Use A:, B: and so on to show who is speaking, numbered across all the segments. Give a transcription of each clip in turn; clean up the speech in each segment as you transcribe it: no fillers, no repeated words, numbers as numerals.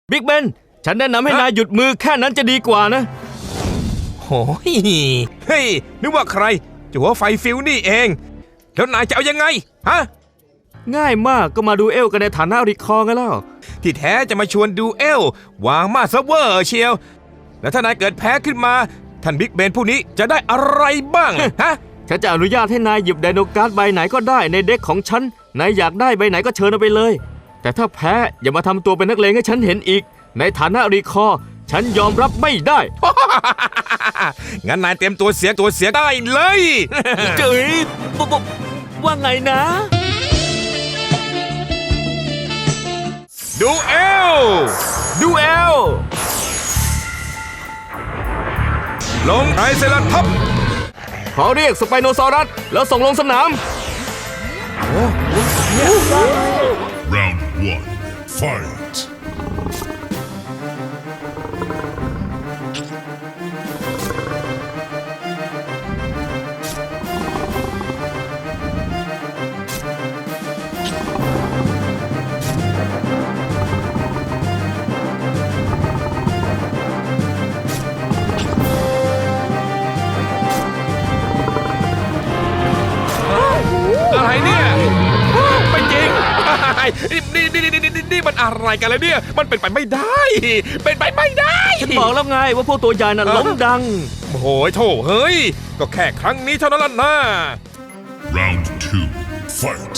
A: บิ๊กเบนฉันแนะนำให้นายหยุดมือแค่นั้นจะดีกว่านะ
B: โอ้ยเฮ้ยนึกว่าใครจะหัวไฟฟิวนี่เองแล้วนายจะเอายังไงฮะ
A: ง่ายมากก็มาดูเอลกันในฐานะริคอร์กันแล้ว
B: ที่แท้จะมาชวนดูเอลวางมาเซิร์ฟเวอร์เชียวแล้วถ้านายเกิดแพ้ขึ้นมาท่านบิ๊กเบนผู้นี้จะได้อะไรบ้างฮะ
A: ฉันจะอนุญาตให้นายหยิบไดโนการ์ดใบไหนก็ได้ในเด็กของฉันนายอยากได้ใบไหนก็เชิญเอาไปเลยแต่ถ้าแพ้อย่ามาทำตัวเป็นนักเลงให้ฉันเห็นอีกในฐานะริคอร์ฉันยอมรับไม่ได้
B: งั้นนายเตรียมตัวเสียได้เลย
A: เจ๋ยว่าไงนะ
B: ดูเอลลงไทรเซราทอปส์
A: ขอเรียกสไปโนซอรัสแล้วส่งลงสนาม
C: Round 1. Fight!
B: อะไรเนี่ยไม่จริงนี่มันอะไรกันแล้วเนี่ยมันเป็นไปไม่ได้
A: ฉันบอกแล้วไงว่าพวกตัวใหญ่น่ะล้มดัง
B: โอ้โหโถเฮ้ยก็แค่ครั้งนี้เท่านั้นล่ะนะ
C: Round 2. Fight!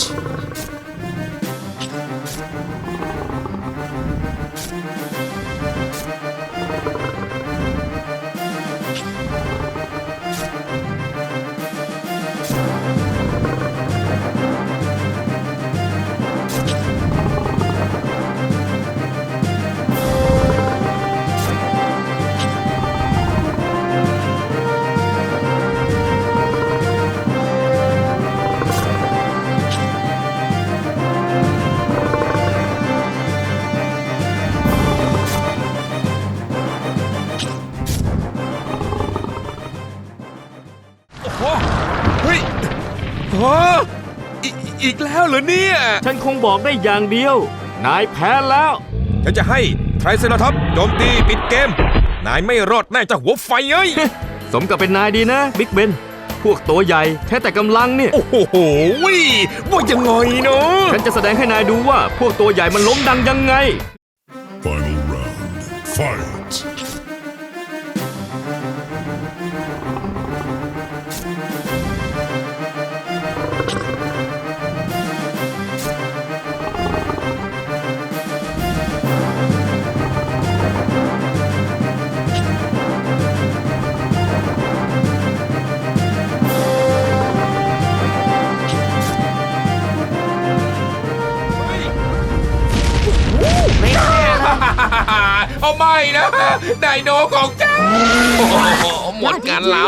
B: เฮ้ยอีกแล้วเหรอเนี่ย
A: ฉันคงบอกได้อย่างเดียวนายแพ้แล้ว
B: ฉันจะให้ไทรเซราทอปส์โจมตีปิดเกมนายไม่รอดแน่จะหัวไฟเอ้ย
A: สมกับเป็นนายดีนะบิ๊กเบนพวกตัวใหญ่แค่แต่กำลังเนี่ย
B: โอ้โหว่ายังไงเนาะ
A: ฉันจะแสดงให้นายดูว่าพวกตัวใหญ่มันล้มดังยังไง
C: Final round. Fight!
B: เอาไม่นะไดโนของเจ้าหมดกันแล้ว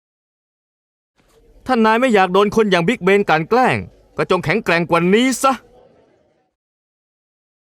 A: ถ้านายไม่อยากโดนคนอย่างบิ๊กเบนกลั่นแกล้งก็จงแข็งแกร่งกว่านี้ซะ